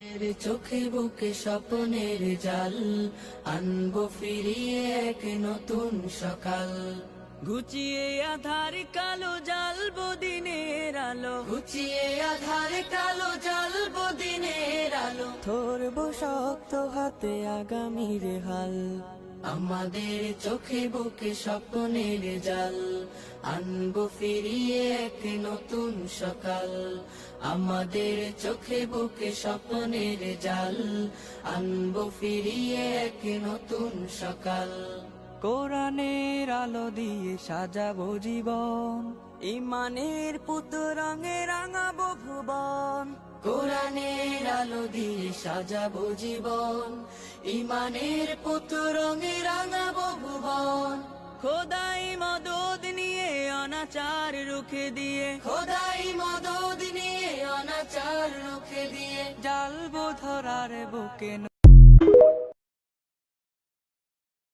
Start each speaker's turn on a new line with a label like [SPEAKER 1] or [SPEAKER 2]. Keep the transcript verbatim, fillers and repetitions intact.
[SPEAKER 1] এর চোখে বুকে স্বপ্নের জাল আনবো ফিরিয়ে এক নতুন সকাল।
[SPEAKER 2] ঘুচিয়ে আধার কালো জ্বালবো দিনের আলো,
[SPEAKER 1] ঘুচিয়ে আধার কালো জ্বালবো দিনের আলো।
[SPEAKER 2] ধরবো শক্ত হাতে আগামীর হাল।
[SPEAKER 1] আমাদের চোখে বুকে স্বপ্নের জাল আনবো ফিরিয়ে এক নতুন সকাল। আমাদের চোখে বুকে স্বপ্নের জাল আনবো ফিরিয়ে এক নতুন সকাল।
[SPEAKER 2] কোরআনের আলো দিয়ে সাজাবো জীবন, ইমানের পুত রঙে রাঙাবো ভুবন।
[SPEAKER 1] কোরআনের আলো দিয়ে সাজাবো জীবন, ইমানের পুত রঙে রাঙাবো ভুবন।
[SPEAKER 2] খোদাই মদদ নিয়ে অনাচার রুখে দিয়ে,
[SPEAKER 1] খোদাই মদদ নিয়ে অনাচার রুখে দিয়ে
[SPEAKER 2] জ্বালবো ধরার বুকে